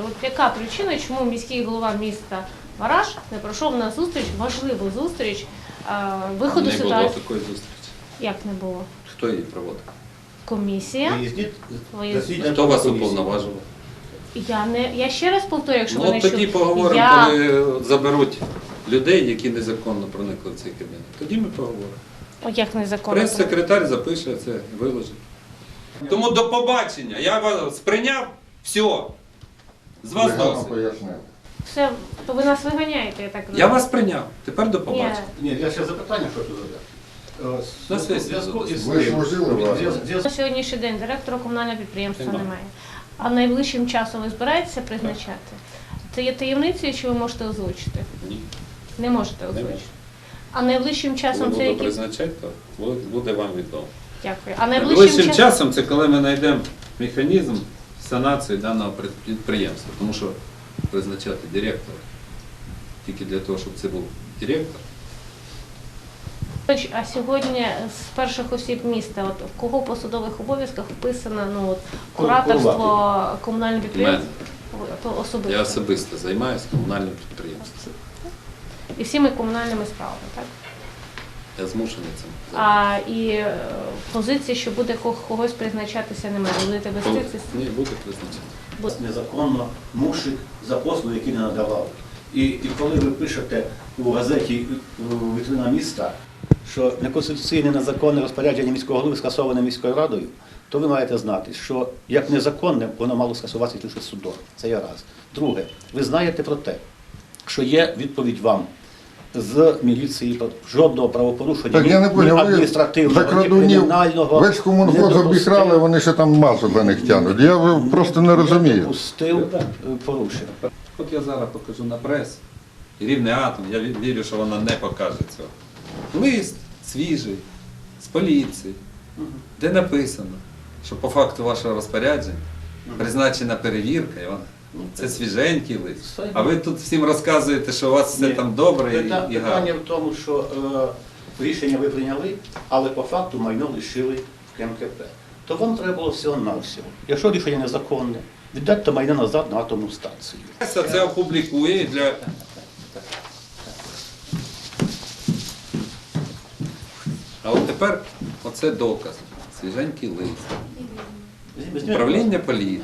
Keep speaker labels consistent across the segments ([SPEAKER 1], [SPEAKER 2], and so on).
[SPEAKER 1] от яка причина, чому міський голова міста Вараш не пройшов на зустріч, важливу зустріч виходу
[SPEAKER 2] Не
[SPEAKER 1] ситуації?
[SPEAKER 2] було такої зустрічі.
[SPEAKER 1] Як не було?
[SPEAKER 2] Хто її проводив?
[SPEAKER 1] Комісія.
[SPEAKER 2] Хто вас уповноважував?
[SPEAKER 1] Я ще раз повторюю, якщо ви
[SPEAKER 2] Ну
[SPEAKER 1] не
[SPEAKER 2] от тоді
[SPEAKER 1] чули.
[SPEAKER 2] поговоримо, коли заберуть людей, які незаконно проникли в цей кабінет. Тоді ми поговоримо.
[SPEAKER 1] О, як незаконно.
[SPEAKER 2] Прес-секретар запише це, виложить. Тому до побачення. Я вас сприйняв, все. З вас досить.
[SPEAKER 1] Все, то ви нас виганяєте, я так розумію.
[SPEAKER 2] Я вас прийняв. Тепер до побачення.
[SPEAKER 3] Ні, я ще запитання хочу задати.
[SPEAKER 2] На сесії
[SPEAKER 4] Ви служили вас?
[SPEAKER 1] На сьогоднішній день директора комунального підприємства немає. А найближчим часом ви збираєтеся призначати? Це є таємницею, чи ви можете озвучити?
[SPEAKER 2] Ні.
[SPEAKER 1] Не можете озвучити.
[SPEAKER 2] можу.
[SPEAKER 1] А найближчим
[SPEAKER 2] Коли
[SPEAKER 1] часом це
[SPEAKER 2] буду
[SPEAKER 1] які...
[SPEAKER 2] призначати, то буде вам відомо.
[SPEAKER 1] Дякую. А
[SPEAKER 2] Найближчим часом це коли ми знайдемо механізм санації даного підприємства. Тому що призначати директора тільки для того, щоб це був директор.
[SPEAKER 1] А сьогодні з перших осіб міста, от в кого в посадових обов'язках вписано кураторство комунального підприємства? То особисто.
[SPEAKER 2] Я особисто займаюся комунальним підприємством.
[SPEAKER 1] І всіми комунальними справами, так?
[SPEAKER 2] Я змушений цим.
[SPEAKER 1] І позиції, що буде когось призначатися, немає. Ви будете вести це?
[SPEAKER 2] Ні, буде призначати.
[SPEAKER 3] Незаконно мушик за послуги, які не надавав. І коли ви пишете у газеті «Вітрина міста», що неконституційне незаконне розпорядження міського голови скасоване міською радою, то ви маєте знати, що як незаконне, воно мало скасуватися лише судом. Це є раз. Друге, ви знаєте про те, що є відповідь вам з міліції про жодного правопорушення,
[SPEAKER 4] Так я не поняв, ви
[SPEAKER 3] адміністративного,
[SPEAKER 4] за
[SPEAKER 3] ні
[SPEAKER 4] крадунів
[SPEAKER 3] кримінального
[SPEAKER 4] весь комунхоз обікрали, вони ще там масу за них тягнуть. Я просто не
[SPEAKER 3] не
[SPEAKER 4] розумію.
[SPEAKER 3] допустив порушення.
[SPEAKER 2] От я зараз покажу на прес, і Рівний атом, я вірю, що вона не покаже цього. Лист свіжий, з поліції, де написано, що по факту вашого розпорядження призначена перевірка, і це свіженький лист. А ви тут всім розказуєте, що у вас все там добре і гарно.
[SPEAKER 3] Питання в тому, що рішення ви прийняли, але по факту майно лишили в КМКП. То вам треба було всього-навсього. Якщо рішення незаконне, віддайте майно назад на атомну станцію.
[SPEAKER 2] Це опублікує для... А от тепер оце доказ. Свіженький лист. Управління поліції.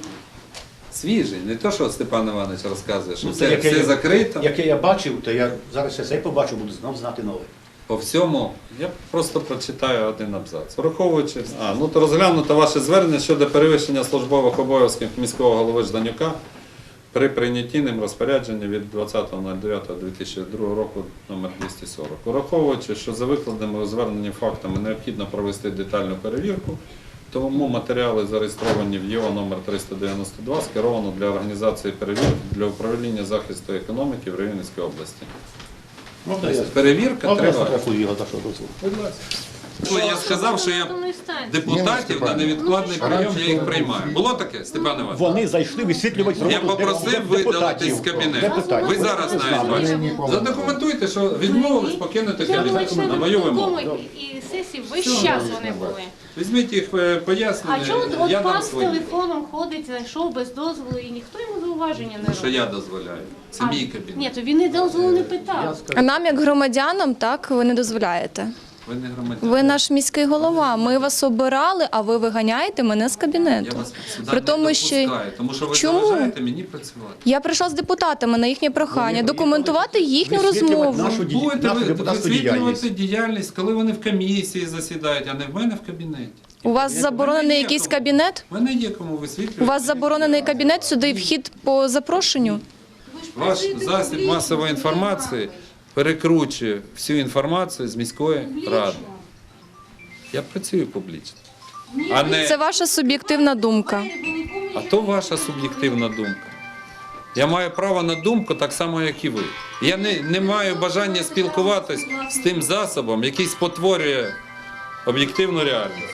[SPEAKER 2] Свіжий. Не то, що Степан Іванович розказує, що все закрито.
[SPEAKER 3] Яке я бачив, то я зараз ще цей побачив, буду знов знати нове.
[SPEAKER 2] По всьому, я просто прочитаю один абзац. Враховуючи, то розглянуто ваше звернення щодо перевищення службових обов'язків міського голови Жданюка при прийнятті ним розпорядження від 20.09.2002 року номер 240. Враховуючи, що за викладеними у зверненні фактами необхідно провести детальну перевірку, тому матеріали зареєстровані в ЄО номер 392 скеровано для організації перевірки для управління захисту економіки в Рівненській області. Перевірка триває.
[SPEAKER 3] Його за що дозволу.
[SPEAKER 2] Будь ласка. Я сказав, що я депутатів на невідкладний прийом, я їх приймаю. Було таке, Степан Іванович?
[SPEAKER 3] Вони зайшли висвітлювати роботу
[SPEAKER 2] Я попросив видалитись з кабінету. Ви зараз знаєте. Задокументуйте, що відмовились покинути кабінет на мою вимогу.
[SPEAKER 1] І сесії весь час вони були.
[SPEAKER 2] Візьміть їх пояснення,
[SPEAKER 1] А чому от
[SPEAKER 2] я дам
[SPEAKER 1] пан з
[SPEAKER 2] свої.
[SPEAKER 1] телефоном ходить, зайшов без дозволу і ніхто йому зауваження не
[SPEAKER 2] Що
[SPEAKER 1] робить?
[SPEAKER 2] я дозволяю. Це мій кабінет.
[SPEAKER 1] Ні, то він і дозволу не питав.
[SPEAKER 5] А нам, як громадянам, так, ви не дозволяєте.
[SPEAKER 2] Ви не громадяни.
[SPEAKER 5] Ви наш міський голова, ми вас обирали, а ви виганяєте мене з
[SPEAKER 2] Я
[SPEAKER 5] кабінету.
[SPEAKER 2] вас сюди
[SPEAKER 5] При
[SPEAKER 2] не
[SPEAKER 5] тому, що-
[SPEAKER 2] допускаю, тому що ви
[SPEAKER 5] Чому?
[SPEAKER 2] заважаєте мені працювати.
[SPEAKER 5] Я прийшла з депутатами на їхнє прохання, документувати їхню розмову.
[SPEAKER 2] Будете
[SPEAKER 3] депутатську
[SPEAKER 2] висвітлювати діяльність, коли вони в комісії засідають, а не в мене в кабінеті.
[SPEAKER 5] У вас заборонений
[SPEAKER 2] є
[SPEAKER 5] якийсь
[SPEAKER 2] кому.
[SPEAKER 5] кабінет?
[SPEAKER 2] В мене є кому висвітлювати.
[SPEAKER 5] У вас заборонений кабінет, сюди вхід по запрошенню?
[SPEAKER 2] Ваш засіб масової інформації перекручує всю інформацію з міської ради. Я працюю публічно. А
[SPEAKER 5] Це ваша суб'єктивна думка.
[SPEAKER 2] А то ваша суб'єктивна думка. Я маю право на думку так само, як і ви. Я не маю бажання спілкуватись з тим засобом, який спотворює об'єктивну реальність.